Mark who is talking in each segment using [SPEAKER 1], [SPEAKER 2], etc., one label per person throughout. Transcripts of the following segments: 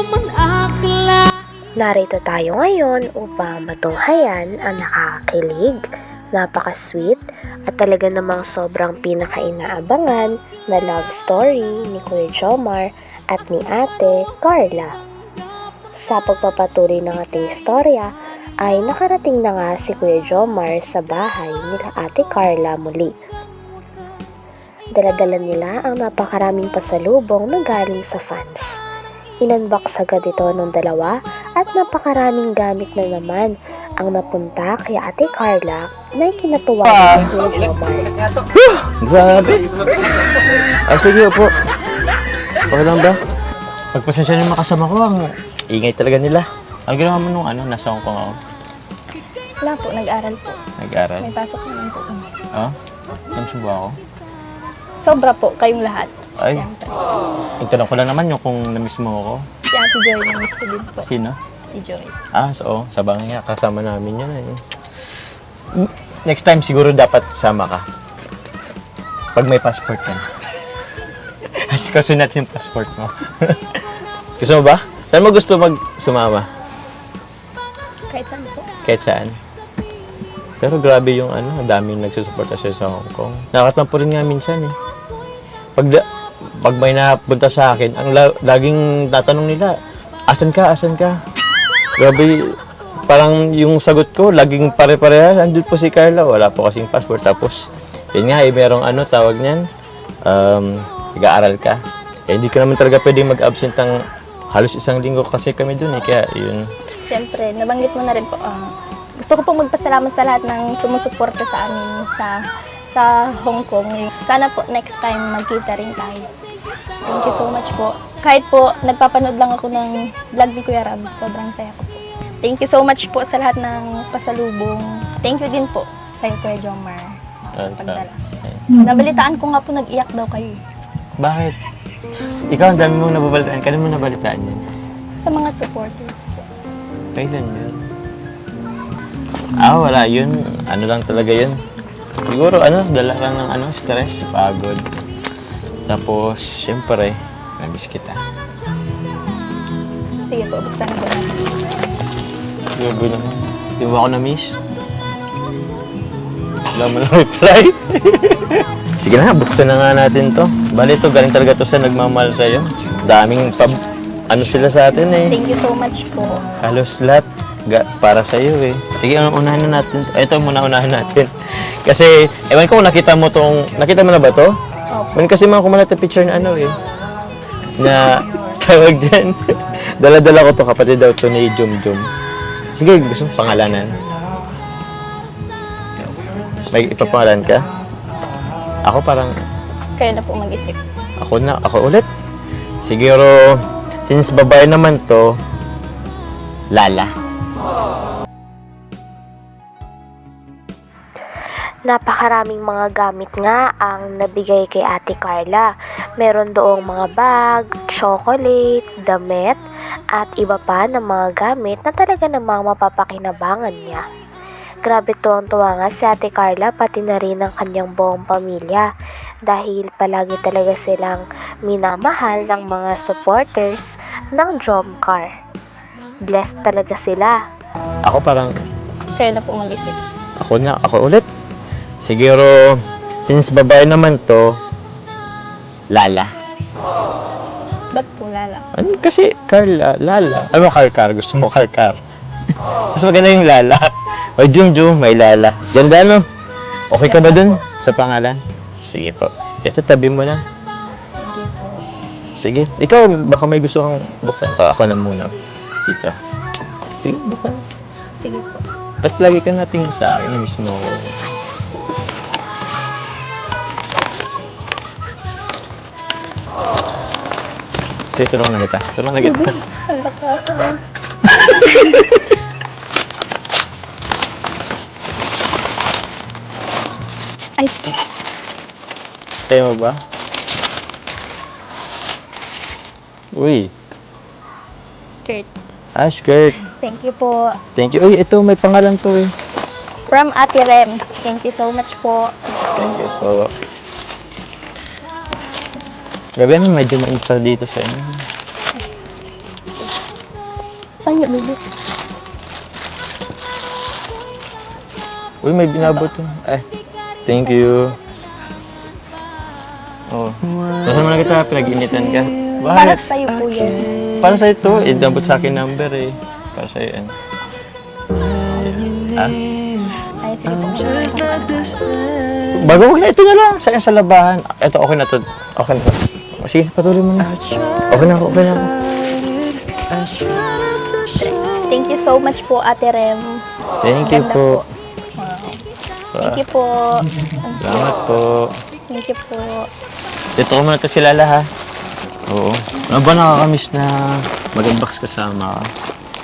[SPEAKER 1] Narito tayo ngayon upang matunghayan ang nakakakilig, napaka-sweet at talaga namang sobrang pinaka-inaabangan na love story ni Kuya Jomar at ni Ate Carla. Sa pagpapatuloy ng ating istorya ay nakarating na nga si Kuya Jomar sa bahay nila Ate Carla muli. Dala-dala nila ang napakaraming pasalubong na galing sa fans. Inunbox agad ito ng dalawa at napakaraming gamit na naman ang napunta kay Ate Carla na ikinatuwa ni Kuya Jomar.
[SPEAKER 2] Grabe! Ay, sige po. Okay lang ba? Pagpasensya nyo makasama ko, ang ingay talaga nila. Ang ginawa mo nung nasa Hong Kong ako?
[SPEAKER 3] Wala po, nag-aral po.
[SPEAKER 2] Nag-aral?
[SPEAKER 3] May pasok naman po.
[SPEAKER 2] Oh? Saan ba ako?
[SPEAKER 3] Sobra po, kayong lahat.
[SPEAKER 2] Ay,
[SPEAKER 3] Siyempre.
[SPEAKER 2] itanong ko lang naman yung kung na-miss mo ako.
[SPEAKER 3] Si Ate Joy, na-miss ko din po.
[SPEAKER 2] Sino?
[SPEAKER 3] Si Joy.
[SPEAKER 2] So, sa bangay nga, kasama namin yun eh. Next time siguro dapat sama ka. Pag may passport ka na. Kasi kasunat yung passport mo. Gusto mo ba? Saan mo gusto sumama?
[SPEAKER 3] Kahit saan po.
[SPEAKER 2] Kahit saan? Pero grabe yung ang daming nagsusuporta siya sa Hong Kong. Nakatampo rin nga minsan eh. Pag may napunta sa akin, ang laging tatanong nila, asan ka, asan ka? Grabe, parang yung sagot ko, laging pare-pareha, andun po si Carla, wala po kasing passport. Tapos, yun nga merong tawag niyan, nag-aaral ka. Hindi ka naman talaga pwedeng mag-absent ng halos isang linggo kasi kami dun eh, kaya yun.
[SPEAKER 3] Siyempre, nabanggit mo na rin po, gusto ko pong magpasalamat sa lahat ng sumusuporta sa amin sa Hong Kong. Sana po next time magkita rin tayo. Thank you so much po. Kahit po nagpapanood lang ako ng vlog ni Kuya Rab, sobrang saya ko po. Thank you so much po sa lahat ng pasalubong. Thank you din po sa Kuya Jomar. Pagdala. Nabalitaan ko nga po nag-iyak daw kayo.
[SPEAKER 2] Bakit? Ikaw, ang dami mong nababalitaan. Kailan mo nabalitaan yan?
[SPEAKER 3] Sa mga supporters po.
[SPEAKER 2] Kailan yun? Wala yun. Ano lang talaga yun. Siguro, dala lang ng stress, pagod. Tapos, syempre, namiss kita.
[SPEAKER 3] Sige po, buksan ko na.
[SPEAKER 2] Grabe naman. Di mo ako na-miss? Wala mo lang reply. Sige na, buksan na nga natin to. Bali to, galing talaga to sa nagmamahal sa'yo. Daming sila sa atin eh.
[SPEAKER 3] Thank you so much po.
[SPEAKER 2] Halos lahat para sa'yo eh. Sige, unahin na natin. Ito muna unahin natin. Kasi, ewan ko kung nakita mo na ba to?
[SPEAKER 3] Opo.
[SPEAKER 2] Kasi mga kumalat na picture na na tawag dyan. Dala-dala ko to, kapatid daw to ni Jum. Sige, gusto mo pangalanan? May ipapangalan ka? Ako parang...
[SPEAKER 3] Kayo na po mag-isip.
[SPEAKER 2] Ako ulit. Siguro, since babae naman to, Lala.
[SPEAKER 1] Napakaraming mga gamit nga ang nabigay kay Ate Carla. Meron doong mga bag, chocolate, damit, at iba pa ng mga gamit na talaga namang mapapakinabangan niya. Grabe tuwang-tuwa nga si Ate Carla pati na rin ang kanyang buong pamilya dahil palagi talaga silang minamahal ng mga supporters ng Jomcar. Blessed talaga sila.
[SPEAKER 2] Ako parang...
[SPEAKER 3] Kayo na po mag-isip.
[SPEAKER 2] Ako ulit. Siguro, since babae naman to, Lala.
[SPEAKER 3] Ba't po Lala?
[SPEAKER 2] Kasi Carla, Lala. Car. Gusto mo Car. Mas maganda yung Lala. O Jum, may Lala. Ganda no? Okay ka ba dun sa pangalan? Sige po. Ito, tabi mo na.
[SPEAKER 3] Sige po.
[SPEAKER 2] Sige. Ikaw, baka may gusto kang buksan. Ako na muna. Dito. Sige, buksan.
[SPEAKER 3] Sige po.
[SPEAKER 2] Ba't lagi ka nating sa akin mismo? Sige, tulungan na kita.
[SPEAKER 3] Hala ka. Ay,
[SPEAKER 2] Kaya mo ba? Uy.
[SPEAKER 3] skirt.
[SPEAKER 2] Skirt.
[SPEAKER 3] Thank you po.
[SPEAKER 2] Thank you. Uy, ito, may pangalan to eh.
[SPEAKER 3] From Ate Rems. Thank you so much po.
[SPEAKER 2] Thank you po. Grabe naman, medyo mainit pa dito sa inyo.
[SPEAKER 3] nga, baby.
[SPEAKER 2] Uy, may binabot to. Thank you. Oh. Nasaan mo na kita? Pinag-initan ka?
[SPEAKER 3] Para
[SPEAKER 2] Bakit?
[SPEAKER 3] sa'yo po yan.
[SPEAKER 2] Para sa'yo to. Inabot sa akin number eh. Para sa'yo yan. Ah?
[SPEAKER 3] Ay, sige po.
[SPEAKER 2] Bago wala, ito na lang. Sayang sa labahan. Ito, okay na to. Okay na to. Sige, patuloy mo na. Okay na ako, okay na ako.
[SPEAKER 3] Thank you so much po, Ate Rem.
[SPEAKER 2] Thank you
[SPEAKER 3] Ganda
[SPEAKER 2] po.
[SPEAKER 3] Wow. Thank you po.
[SPEAKER 2] Salamat po.
[SPEAKER 3] Thank you po.
[SPEAKER 2] Dito ko muna ito sila ha. Oo. Ano ba nakakamiss na mag-unbox kasama ka?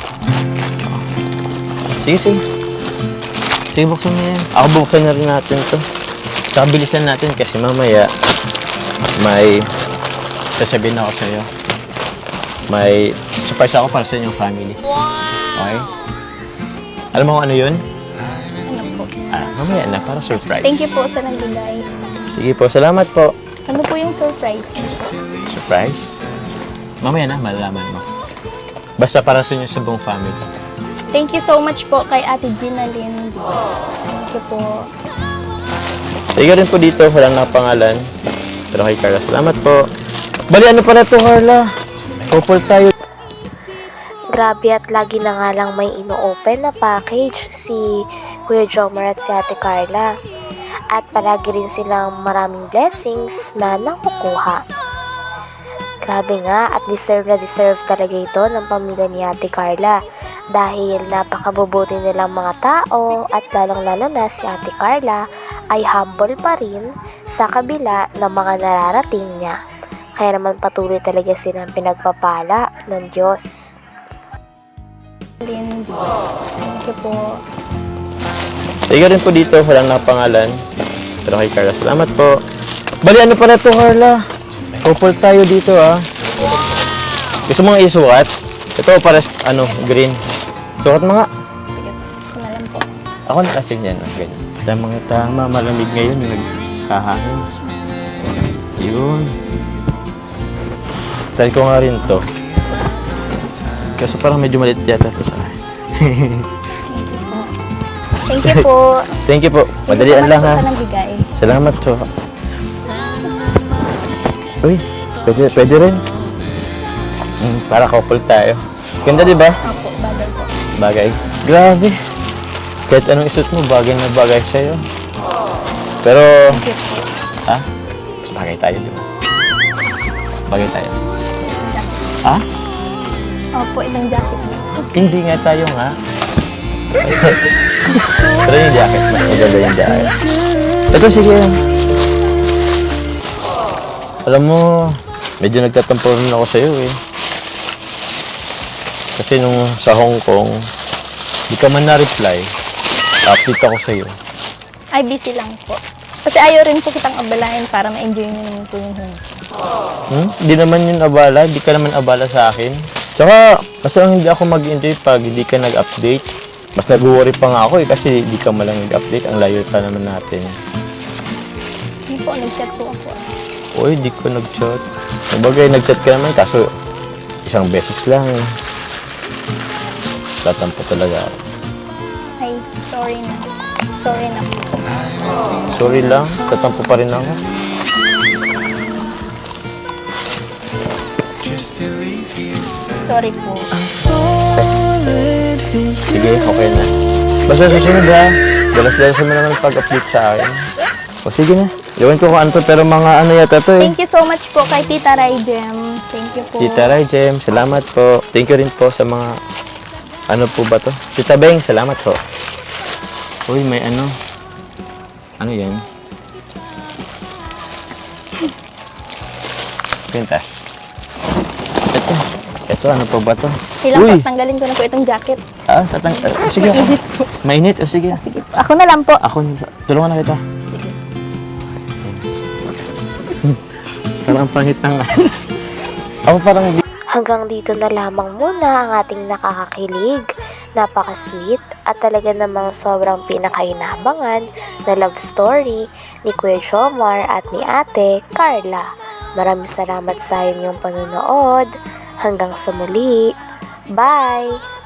[SPEAKER 2] Sige, sige. Sige, buksan mo yan. Ako buksan na rin natin to. Tsaka bilisan natin kasi mamaya may sasabihin ako sa'yo. May surprise ako para sa inyong family. Okay? Alam mo kung ano yun?
[SPEAKER 3] Ano po?
[SPEAKER 2] Mamaya na, para surprise.
[SPEAKER 3] Thank you po sa nagbigay.
[SPEAKER 2] Sige po, salamat po.
[SPEAKER 3] Ano po yung surprise?
[SPEAKER 2] Surprise? Mamaya na, malalaman mo. Basta para sa inyo sa buong family.
[SPEAKER 3] Thank you so much po kay Ate Gina Lynn. Thank you po.
[SPEAKER 2] Sige rin po dito, walang nakapangalan. Pero kay Carla, salamat po. Bali, ano pala to, Carla? Couple tayo.
[SPEAKER 1] Grabe at lagi na nga lang may ino-open na package si Kuya Jomar at si Ate Carla. At palagi rin silang maraming blessings na nakukuha. Grabe nga at deserve na deserve talaga ito ng pamilya ni Ate Carla. Dahil napakabubuti nilang mga tao at lalong-lalo na si Ate Carla ay humble pa rin sa kabila ng mga nararating niya. Kaya naman patuloy talaga silang pinagpapala ng Diyos.
[SPEAKER 3] Lynn. Thank you po.
[SPEAKER 2] Sige rin po dito, walang nakapangalan. Pero kay Carla, salamat po. Bali, ano pala to, Carla? Couple tayo dito, Gusto mo nga isukat? Ito, para, green. Sukat mo nga.
[SPEAKER 3] Sige. Gusto na lang po.
[SPEAKER 2] Ako na kasi yan, ganyan. Tama, malamig ngayon, nagkahangin. Yun. Try ko nga rin to. Kasi parang medyo maliit yata to sa akin.
[SPEAKER 3] Thank you po.
[SPEAKER 2] Thank you po. Madalian lang, ha.
[SPEAKER 3] Sa nagbigay.
[SPEAKER 2] Salamat po. Uy, pwede rin. Para couple tayo. Ganda, di ba?
[SPEAKER 3] Opo, bagay po.
[SPEAKER 2] Bagay. Grabe. Kahit anong isuot mo, bagay na bagay sa'yo. Pero,
[SPEAKER 3] Thank you po.
[SPEAKER 2] mas bagay tayo, di ba? Bagay tayo. Ha?
[SPEAKER 3] Opo, ibang jacket mo.
[SPEAKER 2] Hindi nga tayo nga. Pero yung jacket, mas maganda yung jacket. Ito, sige. Alam mo, medyo nagtatampo rin ako sa'yo eh. Kasi nung sa Hong Kong, di ka man na-reply, update ako sa'yo.
[SPEAKER 3] Ay, busy lang po. Kasi ayaw rin po kitang abalahin para ma-enjoy niyo naman po yung Hong Kong.
[SPEAKER 2] Di naman yun abala, di ka naman abala sa akin. Tsaka, kasi lang hindi ako mag-enjoy pag hindi ka nag-update. Mas nag-worry pa nga ako eh, kasi di ka malang nag-update. Ang layo pa naman natin.
[SPEAKER 3] Hindi po, nag-chat po ako.
[SPEAKER 2] Uy, di ko nag-chat. Sabagay, nag-chat ka naman, kaso isang beses lang eh. Tatampo talaga ako.
[SPEAKER 3] Ay, sorry na. Sorry na po.
[SPEAKER 2] Sorry lang, tatampo pa rin ako.
[SPEAKER 3] Sorry po.
[SPEAKER 2] Sige, okay na. Basta susunod ha. Dalas-dalas mo naman pag-update sa akin. O sige na. Iwan ko kung ano to, pero mga ano yata to eh.
[SPEAKER 3] Thank you so much po kay Tita Raijem. Thank you po.
[SPEAKER 2] Tita Raijem, salamat po. Thank you rin po sa mga, ano po ba to? Tita Beng, salamat po. Uy, may ano. Ano yan? Pintas. Ito, ano po ba to?
[SPEAKER 3] Kailangan po, tanggalin ko na po itong jacket.
[SPEAKER 2] Sige ako.
[SPEAKER 3] Mainit po.
[SPEAKER 2] Mainit? O sige.
[SPEAKER 3] Sige po. Ako na lang po.
[SPEAKER 2] Ako, tulungan na kita.
[SPEAKER 3] Sige.
[SPEAKER 2] Parang ang pangit ng ako parang
[SPEAKER 1] Hanggang dito na lamang muna ang ating nakakakilig, napaka-sweet at talaga namang sobrang pinakainabangan na love story ni Kuya Jomar at ni Ate Carla. Maraming salamat sa inyong panonood. Hanggang sa muli. Bye!